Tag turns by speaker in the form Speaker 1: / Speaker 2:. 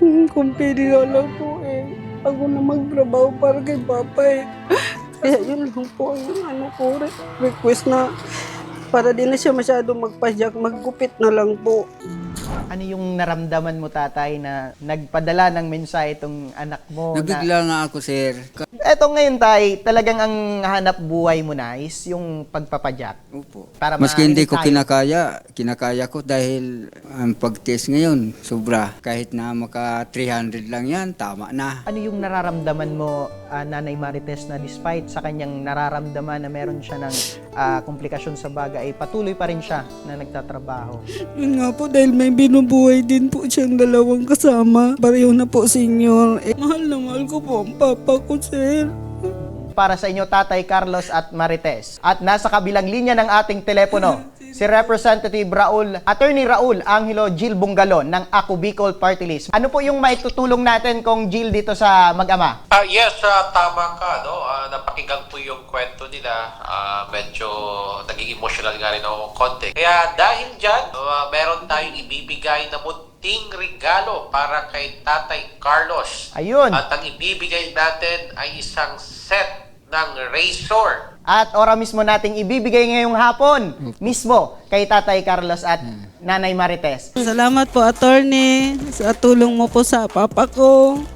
Speaker 1: Kung pwede nga lang po ako na magtrabaho para kay Papa Kaya yun lang po ang request na para di na siya masyado magpadyak, maggupit na lang po.
Speaker 2: Ano yung naramdaman mo, tatay, na nagpadala ng mensahe itong anak mo?
Speaker 3: Nabigla nga ako, sir.
Speaker 2: Eto ngayon, tay, talagang ang hanap buhay mo na is yung pagpapadyak.
Speaker 3: Opo.
Speaker 2: Para
Speaker 3: Maski hindi ko
Speaker 2: mainit tayo.
Speaker 3: kinakaya ko dahil ang pag-test ngayon, sobra. Kahit na maka 300 lang yan, tama na.
Speaker 2: Ano yung nararamdaman mo, Nanay Marites, na despite sa kanyang nararamdaman na meron siya ng komplikasyon sa baga, ay patuloy pa rin siya na nagtatrabaho?
Speaker 1: Yun nga po, dahil may binubuhay din po siyang dalawang kasama. Pareho na po, senyor. Mahal na mahal ko po ang Papa ko, sir.
Speaker 2: Para sa inyo, Tatay Carlos at Marites. At nasa kabilang linya ng ating telepono, si Representative Attorney Raul Angelo Gil Bungalon ng Ako Bicol Party List. Ano po yung maitutulong natin kung Gil dito sa mag-ama?
Speaker 4: Yes, tama ka, no? Napakinggan po yung kwento nila. Medyo naging emotional nga rin ako konti. Kaya dahil dyan, meron tayong ibibigay na munting regalo para kay Tatay Carlos.
Speaker 2: Ayun.
Speaker 4: At ang ibibigay natin ay isang set ng razor.
Speaker 2: At ora mismo nating ibibigay ngayong hapon mismo kay Tatay Carlos at Nanay Marites.
Speaker 1: Salamat po, attorney, sa tulong mo po sa Papa ko.